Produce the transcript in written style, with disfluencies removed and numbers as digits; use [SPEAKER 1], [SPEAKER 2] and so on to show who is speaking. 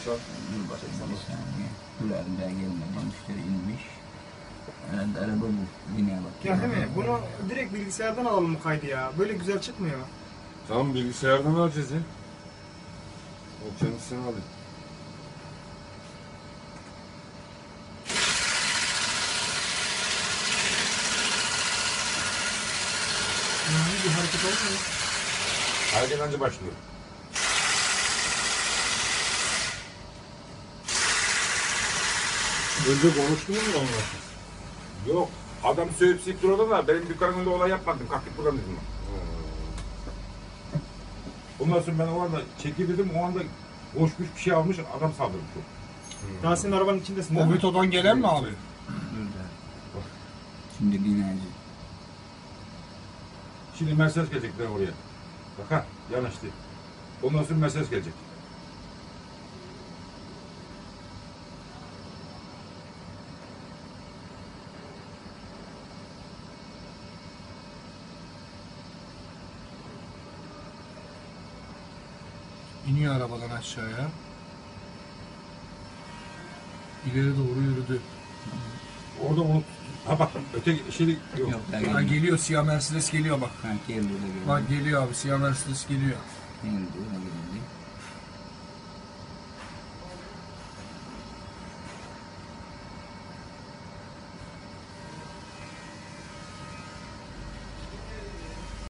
[SPEAKER 1] Dur bakayım
[SPEAKER 2] Bir saniye. Kulağında gelmedi. Müşteri inmiş. Herhalde araba bu. Yine bak.
[SPEAKER 1] Ya değil mi? Bunu direkt bilgisayardan alalım mı kaydı ya? Böyle güzel çıkmıyor.
[SPEAKER 3] Tamam bilgisayardan alacağız ya. O kendisini alayım.
[SPEAKER 1] Yani bir hareket olmuyor.
[SPEAKER 3] Hareket önce başlıyor. Önce konuştun mu onunla? Yok. Adam söyleyip siktir orada da benim dükkanın önünde olay yapmadım. Kalktık buradan dedim. Ondan sonra ben o anda çekil dedim. O anda koşmuş bir şey almış. Adam saldırmış.
[SPEAKER 1] Daha senin arabanın içindesin değil mi?
[SPEAKER 4] Obito'dan gelen mi abi?
[SPEAKER 2] Burada. Şimdi dinleyici.
[SPEAKER 3] Şimdi Mercedes gelecekler oraya. Bak ha yanaştı. Ondan sonra Mercedes gelecek.
[SPEAKER 4] İniyor arabadan aşağıya. İleri doğru yürüdü.
[SPEAKER 3] Orada onu... Ha bak öteki şey yok.
[SPEAKER 2] Yok daha
[SPEAKER 4] Ha,
[SPEAKER 2] gelmedi.
[SPEAKER 4] geliyor siyah Mercedes geliyor bak.
[SPEAKER 2] Ha geldi de geldi.
[SPEAKER 4] Bak geliyor abi siyah Mercedes geliyor.
[SPEAKER 2] Geldi de geldi.